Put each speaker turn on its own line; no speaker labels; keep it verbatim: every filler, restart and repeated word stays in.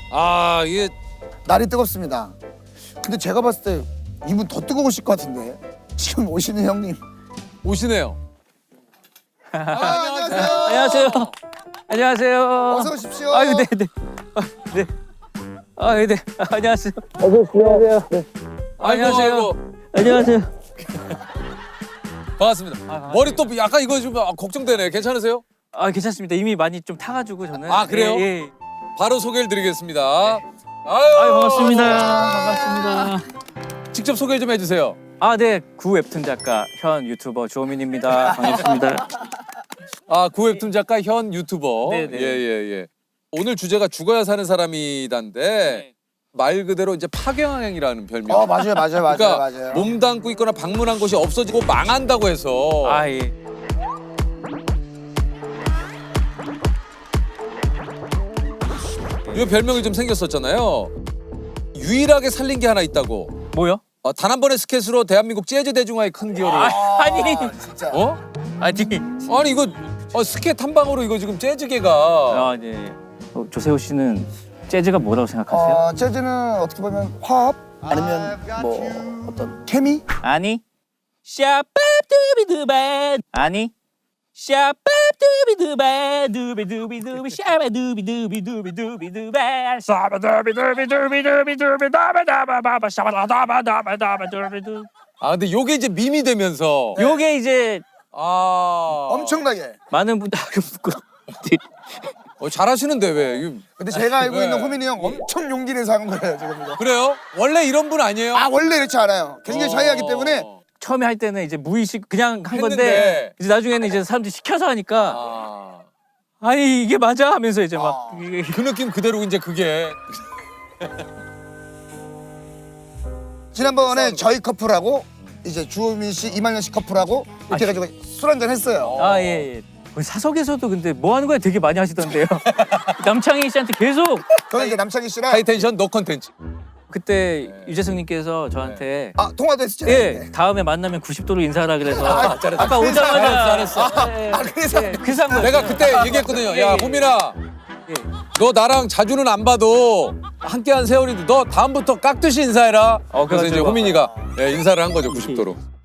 아 이게
날이 뜨겁습니다. 근데 제가 봤을 때 이분 더 뜨거우실 것 같은데 지금 오시는 형님.
오시네요.
아, 안녕하세요.
안녕하세요. 안녕하세요.
어서 오십시오.
아유, 네, 네. 아, 네. 아, 네. 아, 안녕하세요. 어서 오십시오. 안녕하세요. 네. 안녕하세요.
아이고,
안녕하세요.
반갑습니다.
아,
머리 또 약간 이거 좀 아, 걱정되네. 괜찮으세요?
아, 괜찮습니다. 이미 많이 좀 타가지고 저는.
아, 그래요?
예, 예.
바로 소개를 드리겠습니다. 아유,
아유, 반갑습니다. 반갑습니다.
직접 소개 좀 해주세요.
아, 네. 구 웹툰 작가 현 유튜버 주호민입니다. 반갑습니다.
아, 구웹툰 작가 현 유튜버.
네네.
예예 예. 오늘 주제가 죽어야 사는 사람이단데 말 그대로 이제 파경항이라는 별명.
어 맞아요 맞아요 맞아요
그러니까
맞아요.
몸담고 있거나 방문한 곳이 없어지고 망한다고 해서.
아, 예.
이 별명이 좀 생겼었잖아요. 유일하게 살린 게 하나 있다고.
뭐요?
어, 단 한 번의 스케치로 대한민국 재즈 대중화에 큰 기여를.
아, 아니.
아, 진짜.
어?
아니.
아니 이거 어, 스케치 한 방으로 이거 지금 재즈계가.
아, 네. 어, 조세호 씨는 재즈가 뭐라고 생각하세요?
어 재즈는 어떻게 보면 화합 아니면 뭐 어떤 케미?
아니. 샤밥두비두바. 아니. 샤밥두비두바 두비두비두비 샤바두비두비두비두비두바 샤바두비두비두비두비두비다바다바바바 샤바다바다바다바두비두.
아 근데 요게 이제 밈이 되면서.
요게 이제
아.
엄청나게.
많은 분들
어, 잘하시는데 왜? 이거-
근데 제가 알고
네.
있는 호민이 형 엄청 용기 내서 한 거예요 지금 이거.
그래요? 원래 이런 분 아니에요?
아 원래 이렇지 않아요. 굉장히 차이하기 때문에
어.
처음에 할 때는 이제 무의식 그냥 한
했는데.
건데 이제 나중에는 이제 사람들이 시켜서 하니까
아.
아니 이게 맞아 하면서 이제 막
아.
이게
그 느낌 그대로 이제 그게.
지난번에 저희 커플하고 이제 주호민 씨, 이만현 씨 커플하고 이렇게 해가지고 술 한잔 했어요.
아, 예, 예. 우리 사석에서도 근데 뭐 하는 거야 되게 많이 하시던데요. 남창희 씨한테 계속
저는 이제 남창희 씨랑
하이텐션 노 컨텐츠.
그때
네.
유재석님께서 저한테
아 통화도 했었잖아요.
예 다음에 만나면 구십 도로 인사하라 그래서
아,
잘했어.
아까
그래서
오자마자
잘했어,
예,
아, 그래서?
예, 그래서 한 거예요.
내가 그때 얘기했거든요.
예,
야
예.
호민아,
예.
너 나랑 자주는 안 봐도 함께한 세월인데 너 다음부터 깍듯이 인사해라.
어,
그래서 이제
그래가지고.
호민이가 예, 인사를 한 거죠 구십 도로.